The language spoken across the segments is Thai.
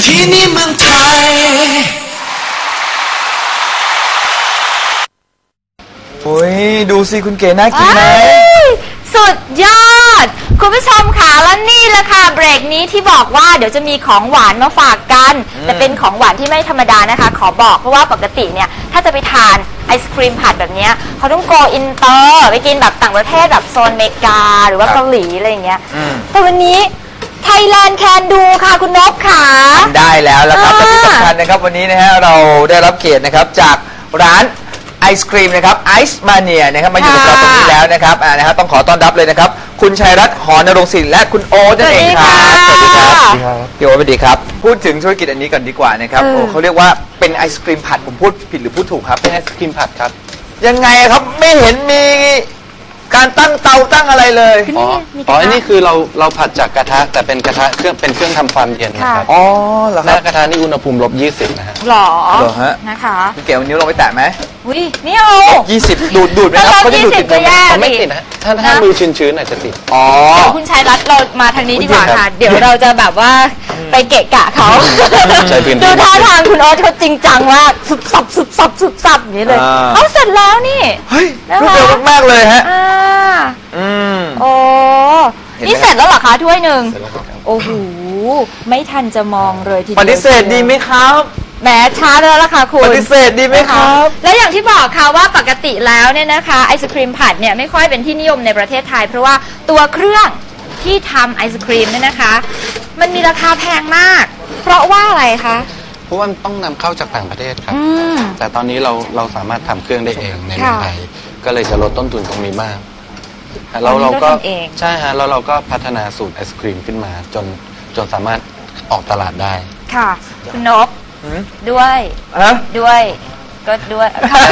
ที่นี่เมืองไทยโอ้ยดูสิคุณเก๋น่ากินไหมสุดยอดคุณผู้ชมค่ะแล้วนี่แหละค่ะเบรกนี้ที่บอกว่าเดี๋ยวจะมีของหวานมาฝากกันแต่เป็นของหวานที่ไม่ธรรมดานะคะขอบอกเพราะว่าปกติเนี่ยถ้าจะไปทานไอศครีมผัดแบบนี้เขาต้องโกอินเตอร์ไปกินแบบต่างประเทศแบบโซนอเมริกาหรือว่าเกาหลีอะไรอย่างเงี้ยแต่วันนี้ไทยแลนด์แคนดูค่ะคุณนพค่ะได้แล้วครับและที่สำคัญนะครับวันนี้นะฮะเราได้รับเกียรตินะครับจากร้านไอศครีมนะครับไอซ์มาเนียนะครับมาอยู่กับเราตรงนี้แล้วนะครับนะครับต้องขอต้อนรับเลยนะครับคุณชัยรัตน์หอนรงค์ศิลป์และคุณโอ๊ตนั่นเองครับสวัสดีครับพี่โอ๊ตสวัสดีครับพูดถึงธุรกิจอันนี้ก่อนดีกว่านะครับโอ้เขาเรียกว่าเป็นไอศครีมผัดผมพูดผิดหรือพูดถูกครับเป็นไอศครีมผัดครับยังไงครับไม่เห็นมีการตั้งเตาตั้งอะไรเลยอันนี้คือเราผัดจากกระทะแต่เป็นกระทะเป็นเครื่องทำความเย็นนะครับอ๋อเหรอครับกระทะนี่อุณหภูมิ-20นะฮะหรอฮะนะคะคุณเก๋วันนี้ลงไปแตะไหมอุ้ยนี่เอา 20ดูดไหมครับเขาจะดูดติดไหมเขาไม่ติดนะถ้ามือชื้นๆอาจจะติดอ๋อเดี๋ยวคุณชัยรัตน์เรามาทางนี้ดีกว่าค่ะเดี๋ยวเราจะแบบว่าไปเกะกะเขาดูท่าทางคุณโอ๊ตเขาจริงจังว่าสุบสับอย่างนี้เลยเขาเสร็จแล้วนี่เฮ้ยรวดเร็วมากๆเลยฮะโอ้นี่เสร็จแล้วเหรอคะถ้วยหนึ่งโอ้โหไม่ทันจะมองเลยทีเดียวปฏิเสธดีไหมครับแหมช้าแล้วล่ะค่ะคุณปฏิเสธดีไหมครับแล้วอย่างที่บอกค่ะว่าปกติแล้วเนี่ยนะคะไอศครีมผัดเนี่ยไม่ค่อยเป็นที่นิยมในประเทศไทยเพราะว่าตัวเครื่องที่ทำไอศครีมเนี่ยนะคะมันมีราคาแพงมากเพราะว่าอะไรคะเพราะว่าต้องนำเข้าจากต่างประเทศครับแต่ตอนนี้เราสามารถทำเครื่องได้เองในเมืองไทยก็เลยจะลดต้นทุนตรงนี้มากเราก็ใช่ฮะแล้วเราก็พัฒนาสูตรไอศครีมขึ้นมาจนสามารถออกตลาดได้ค่ะคุณนพด้วยก็ด้วย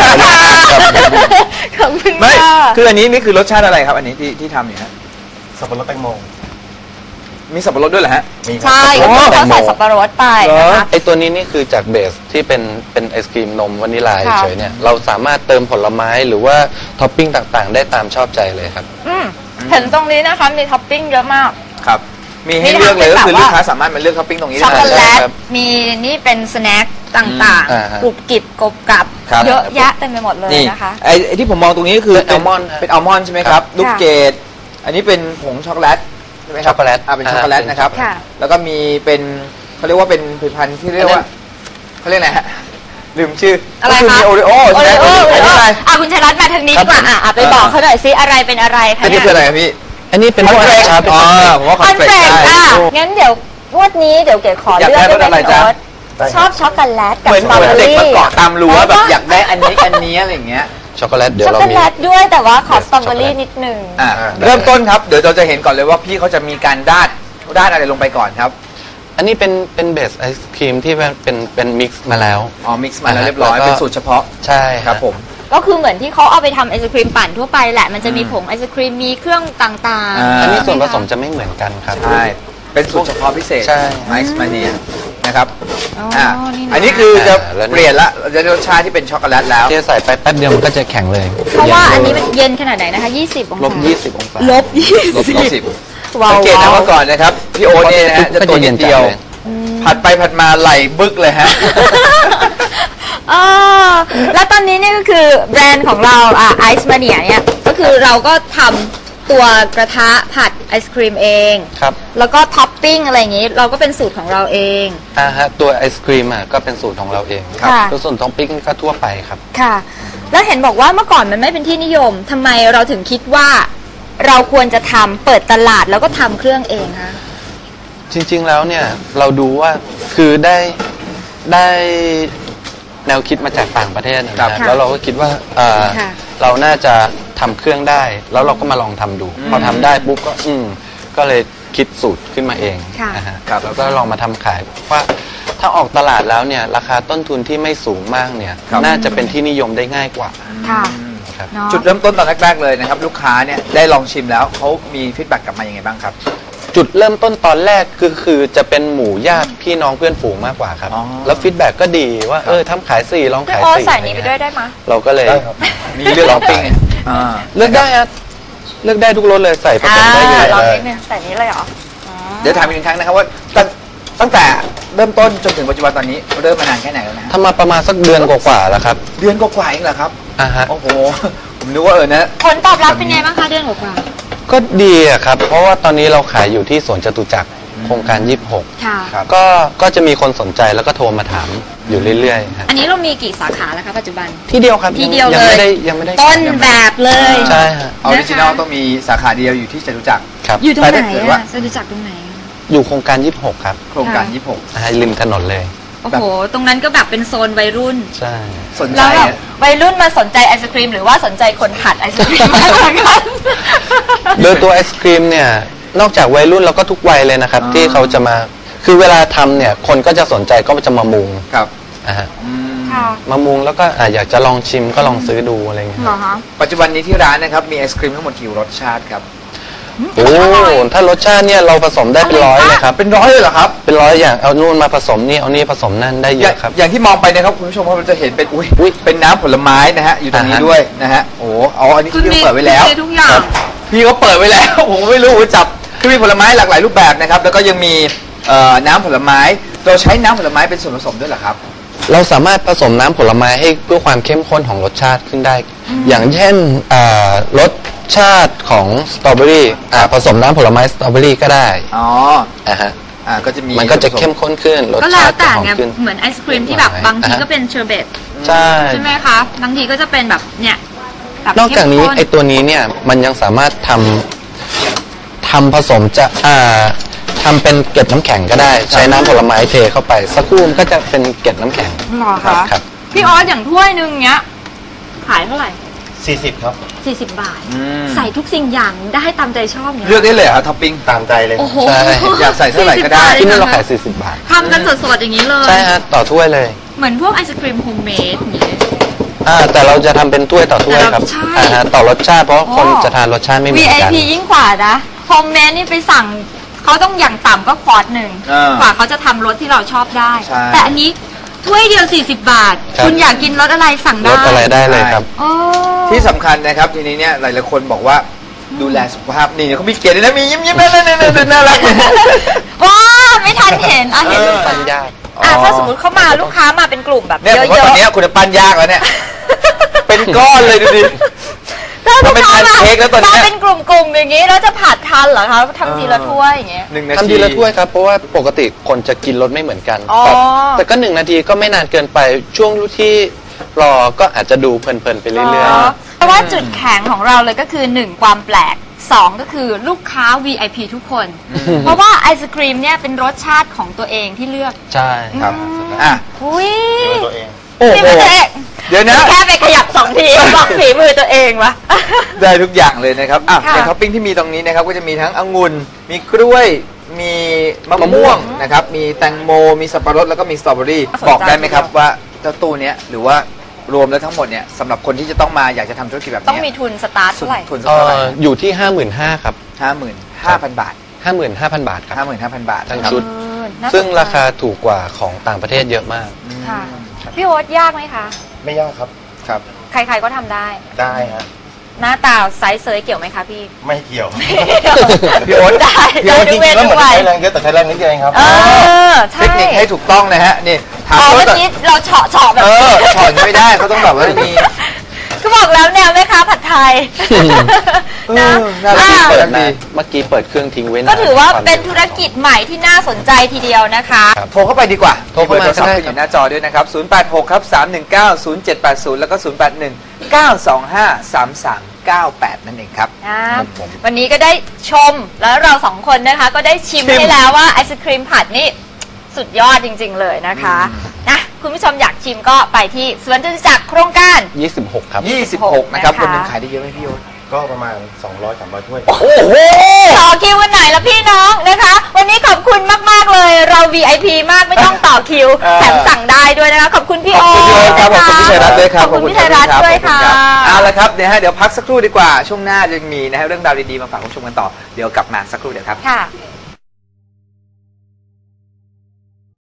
ขอบคุณไม่คืออันนี้นี่คือรสชาติอะไรครับอันนี้ที่ทำอยู่ฮะสับปะรดแตงโมมีสับปะรดด้วยเหรอฮะใช่เขาใส่สับปะรดไปนะคะไอตัวนี้นี่คือจากเบสที่เป็นไอศครีมนมวานิลาเฉยเนี่ยเราสามารถเติมผลไม้หรือว่าท็อปปิ้งต่างๆได้ตามชอบใจเลยครับเห็นตรงนี้นะคะมีท็อปปิ้งเยอะมากครับมีให้เลือกเลยก็คือลูกค้าสามารถมาเลือกท็อปปิ้งตรงนี้ได้ช็อกโกแลตมีนี่เป็นสแน็คต่างๆกรุบกริบกรบกรับเยอะแยะเต็มไปหมดเลยนะคะไอที่ผมมองตรงนี้คือเป็นอัลมอนด์ใช่ไหมครับลูกเกดอันนี้เป็นผงช็อกโกแลตใช่ไหมครับช็อกโกแลตเป็นช็อกโกแลตนะครับแล้วก็มีเป็นเขาเรียกว่าเป็นผลิตภัณฑ์ที่เรียกว่าเขาเรียกอะไรฮะลืมชื่ออะไรคะโอริโอใช่ไหมอะไรคุณชัยรัตน์มาทางนี้ดีกว่าไปบอกเขาหน่อยซิอะไรเป็นอะไรคะอันนี้คืออะไรพี่อันนี้เป็นคอนเฟรชครับผมว่าคอนเฟรชงั้นเดี๋ยวงวดนี้เดี๋ยวเก๋ขอเลือกได้ไหมโอ๊ตชอบช็อกโกแลตกับสตรอเบอรี่เด็กมาเกาะตามรั้วแบบอยากได้อันนี้อะไรอย่างเงี้ยช็อกโกแลตเดี๋ยวเรามีช็อกโกแลตด้วยแต่ว่าขอสตรอเบอรี่นิดนึงเริ่มต้นครับเดี๋ยวเราจะเห็นก่อนเลยว่าพี่เขาจะมีการราดอะไรลงไปก่อนครับอันนี้เป็นเบสไอศครีมที่เป็นมิกซ์มาแล้วมิกซ์มาแล้วเรียบร้อยเป็นสูตรเฉพาะใช่ครับผมก็คือเหมือนที่เขาเอาไปทำไอศครีมปั่นทั่วไปแหละมันจะมีผงไอศครีมมีเครื่องต่างๆอันนี้ส่วนผสมจะไม่เหมือนกันครับใช่เป็นสูตรเฉพาะพิเศษไอซ์มาเนียนะครับอันนี้คือจะเปลี่ยนละจะรสชาติที่เป็นช็อกโกแลตแล้วที่ใส่ไปแป๊บเดียวมันก็จะแข็งเลยเพราะว่าอันนี้มันเย็นขนาดไหนนะคะ20องศา -20องศา -20สังเกตนะว่าก่อนนะครับพี่โอ๊ตเนี่ยนะจะตัวเย็นเดียวผัดไปผัดมาไหลบึกเลยฮะแล้วตอนนี้นี่ก็คือแบรนด์ของเราไอซ์มาเนียเนี่ยก็คือเราก็ทำตัวกระทะผัดไอศครีมเองครับแล้วก็ท็อปปิ้งอะไรอย่างนี้เราก็เป็นสูตรของเราเองฮะตัวไอศครีมก็เป็นสูตรของเราเองครับตัวส่วนท็อปปิ้งก็ทั่วไปครับค่ะแล้วเห็นบอกว่าเมื่อก่อนมันไม่เป็นที่นิยมทำไมเราถึงคิดว่าเราควรจะเปิดตลาดแล้วก็ทำเครื่องเองคะจริงๆแล้วเนี่ยเราดูว่าคือได้แนวคิดมาจากต่างประเทศนะครับแล้วเราก็คิดว่าเราน่าจะทำเครื่องได้แล้วเราก็มาลองทำดูพอทำได้ปุ๊บก็เลยคิดสูตรขึ้นมาเองนะฮะแล้วก็ลองมาทำขายว่าถ้าออกตลาดแล้วเนี่ยราคาต้นทุนที่ไม่สูงมากเนี่ยน่าจะเป็นที่นิยมได้ง่ายกว่าจุดเริ่มต้นตอนแรกๆเลยนะครับลูกค้าเนี่ยได้ลองชิมแล้วเขามีฟีดแบ็กกลับมาอย่างไงบ้างครับจุดเริ่มต้นตอนแรกคือจะเป็นหมู่ญาติพี่น้องเพื่อนฝูงมากกว่าครับแล้วฟีดแบ็กก็ดีว่าทำขาย4ลองขาย4 ใส่นี้ไปด้วยได้ไหมเราก็เลยมีเลือกลองปิ้งเลือกได้ครับเลือกได้ทุกรสเลยใส่ผสมได้เลยลองนิดนึงใส่นี้เลยเหรอเดี๋ยวถามอีกครั้งนะครับว่าตั้งแต่เริ่มต้นจนถึงปัจจุบันตอนนี้เริ่มมานานแค่ไหนแล้วนะทำมาประมาณสักเดือนกว่าๆแล้วครับเดือนกว่าๆเองเหรอครับฮะโอ้โหผมนึกว่านะผลตอบรับเป็นไงบ้างคะเดือนกว่าก็ดีอะครับ เพราะว่าตอนนี้เราขายอยู่ที่สวนจตุจักรโครงการค่ะครับก็จะมีคนสนใจแล้วก็โทรมาถามอยู่เรื่อยๆฮะอันนี้เรามีกี่สาขาแล้วคะปัจจุบันที่เดียวครับที่เดียวยังเลยไม่ได้ยังไม่ได้ต้นแบบเลยใช่ฮะออริจินอลต้องมีสาขาเดียวอยู่ที่จตุจักรครับอยู่ตรงไหนแต่ถ้าเกิดว่าอะจตุจักรตรงไหนอะอยู่โครงการ 26 ครับโครงการริมถนนเลยโอ้โห ตรงนั้นก็แบบเป็นโซนวัยรุ่นใช่ 26 สนใจแล้วแบบอะวัยรุ่นมาสนใจไอศครีมหรือว่าสนใจคนผัดไอศครีมมากกว่ากันโดยตัวไอศครีมเนี่ยนอกจากวัยรุ่นแล้วก็ทุกวัยเลยนะครับอ๋อที่เขาจะมาคือเวลาทำเนี่ยคนก็จะสนใจก็จะมามุงครับนะฮะอืมค่ะมามุงแล้วก็อยากจะลองชิมก็ลองซื้อดูอะไรเงี้ยเหรอคะปัจจุบันนี้ที่ร้านนะครับมีไอศครีมทั้งหมดกี่รสชาติครับโอ้ถ้ารสชาติเนี่ยเราผสมได้เป็นร้อยเลยครับเป็นร้อยเลยเหรอครับเป็นร้อยอย่างเอานู่นมาผสมนี่เอานี่ผสมนั่นได้เยอย่างอะครับอย่างที่มองไปนะครับคุณผู้ชมครับเราจะเห็นเป็นอุ้ยเป็นน้ำผลไม้นะฮะอยู่ตรงนี้อ่าฮะด้วยนะฮะโอ้เอาอันนี้ที่พี่เขาเปิดไว้แล้วทุกอย่างครับพี่เขาเปิดไว้แล้ว ผมไม่รู้ว่าจับคือมีผลไม้หลากหลายรูปแบบนะครับแล้วก็ยังมีน้ำผลไม้เราใช้น้ำผลไม้เป็นส่วนผสมด้วยเหรอครับเราสามารถผสมน้ำผลไม้ให้เพื่อความเข้มข้นของรสชาติขึ้นได้ อย่างเช่นรสชาติของสตรอเบอรี่ผสมน้ำผลไม้สตรอเบอรี่ก็ได้อ๋อนะฮะก็จะมีมันก็จะเข้มข้นขึ้นรสก็แล้ชาว ติจะแต่หอมไงขึ้นเหมือนไอศครีมที่แบบบางทีก็เป็นเชอร์เบตใช่ใช่ไหมคะ บางทีก็จะเป็นแบบเนี่ยแบบนอกจากนี้เข้มข้ไอตัวนี้เนี่ยมันยังสามารถทำผสมจะทำเป็นเกล็ดน้ำแข็งก็ได้ ใช้น้ำผลไม้เทเข้าไปสักครู่มันก็จะเป็นเกล็ดน้ำแข็งหรอคะครับพี่ออสอย่างถ้วยหนึงเนี้ยขายเท่าไหร่ 40 ครับ 40 บาทอืมใส่ทุกสิ่งอย่างได้ตามใจชอบเนี่ยเลือกได้เลยเหรอครับท็อปปิ้งตามใจเลยโอ้โหใช่อยากใส่เท่าไหร่ก็ได้ 40 ที่นี่เราบทขาย40 บาททำกันสดๆอย่างนี้เลยใช่ฮะต่อถ้วยเลยเหมือนพวกไอศครีมโฮมเมดอย่างนี้แต่เราจะทำเป็นถ้วยต่อถ้วยครับใช่ต่อรสชาติเพราะคนอ๋อจะทานรสชาติไม่เหมือนกัน VIP ยิ่งกว่านะโฮมเมดนี่ไปสั่งเขาต้องอย่างต่ำก็ควอตหนึ่ง กว่าเขาจะทำรสที่เราชอบได้ใช่แต่อันนี้ถ้วยเดียว 40 บาทครับคุณอยากกินรสอะไรสั่งรได้สอะไรได้เลยครับโอ้ที่สำคัญนะครับทีนี้เนี่ยหลายๆคนบอกว่าดูแลสุขภาพนี่เขามีเกียรติด้วยนะมียิ้มๆน่ารักว้าไม่ทันเห็นอ่ะเห็นลูกปัค้าญญาถ้าสมมติเขามาลูกค้ามาเป็นกลุ่มแบบเนี่ยเยผมว่าตอนอะนี้คุณจะปั้นยากแล้วเนี่ย เป็นก้อนเลยดูดิๆถ้าลูกเป็นค้าแพนเค้กแล้วตอนเนี้มาย เป็นกลุ่มๆอย่างนี้แล้วจะผัดทันเหรอคะทำทีละถ้วยอย่างเงี้ย 1 นาทีทำทีละถ้วยครับเพราะว่าปกติคนจะกินรสไม่เหมือนกันอ๋อแต่ก็1 นาทีก็ไม่นานเกินไปช่วงที่รอก็อาจจะดูเพลินๆไปเรื่อยเพราะว่าจุดแข็งของเราเลยก็คือ 1 ความแปลก 2 ก็คือลูกค้า VIP ทุกคน เพราะว่าไอศครีมเนี่ยเป็นรสชาติของตัวเองที่เลือกๆ ใช่ครับอ่ะอุ้ยตัวเองโอ้โหพี่ประเทศเดี๋ยวนะแค่ไปขยับ2 ทีบอกฝีมือตัวเองวะได้ทุกอย่างเลยนะครับอ่ะค่ะอย่างท็อปปิ้งที่มีตรงนี้นะครับก็จะมีทั้งองุ่นมีกล้วยมีมะม่วงนะครับมีแตงโมมีสับปะรดแล้วก็มีสตรอเบอรี่บอกได้ไหมครับว่าเจ้าตู้เนี้ยหรือว่ารวมแล้วทั้งหมดเนี่ยสำหรับคนที่จะต้องมาอยากจะทำธุรกิจแบบต้องเนี้มีทุนสตาร์ทเท่าไหร่ทุนสักเท่าไหร่อยู่ที่ 55,000ครับ 55,000 บาท 55,000 บาทครับ 55,000 บาททั้งนะครับชุดน่สนใจซึ่งราคาถูกกว่าของต่างประเทศเยอะมากค่ะพี่โอ๊ตยากไหมคะไม่ยากครับครับใครๆก็ทำได้ได้ฮะหน้าตาไซส์เซยเกี่ยวไหมคะพี่ไม่เกี่ยวพี่โอ๊ตได้พี่ได้โอ๊ตทุจกริเวงๆแล้วเหมือนทุกวัใช้ยแรงเยอะแต่ใช้แรงนิดเดียวเองครับใช่เทคนิคให้ถูกต้องนะฮะนี่ถามอ๋อเขาเมื่อแบบกี้เราเฉาะแบบถอนไม่ได้เขาต้องแบบว่ามีก็บอกแล้วแนวแม่ค้าผัดไทยนะน่ารักอ่ะเปิดเมื่อกี้เปิดเครื่องทิ้งไว้นานก็ถือว่าเป็นธุรกิจใหม่ที่น่าสนใจทีเดียวนะคะครับโทรเข้าไปดีกว่าโทรเข้ามาบอโทรศัพท์ก็ได้ขึ้นอยู่หน้าจอด้วยนะครับ 086 ครับ 319 0780 แล้วก็ 081 925 3398 นั่นเองครับวันนี้ก็ได้ชมแล้วเราสองคนนะคะก็ได้ชิมชิมให้แล้วว่าไอศครีมผัดนี่สุดยอดจริง ๆ เลยนะคะนะคุณผู้ชมอยากชิมก็ไปที่สวนจตุจักรโครงการ 26 ครับ 26 นะครับนะคะคนหนึงขายได้เยอะไหมพี่โยนก็ประมาณ 200-300 ถ้วยโอ้โหต่อคิววันไหนละพี่น้องนะคะ วันนี้ขอบคุณมาก ๆ เลยเรา VIP มากไม่ต้องต่อคิว แถมสั่งได้ด้วยนะคะ ขอบคุณพี่ขโออบคุณพี่โอ๊ตครับขอบคุณพี่ชัยรัตน์ด้วยครับขอบคุณพี่ชัยรัตน์ด้วยค่ะขอบณรับเอาละครับเดี๋ยวพักสักครู่ดีกว่าช่วงหน้าจะมีนะฮะเรื่องราวดีๆมาฝากคุณผู้ชมกันต่อเดี๋ยวกลับมาสักครู่เดี๋ยวครับค่ะ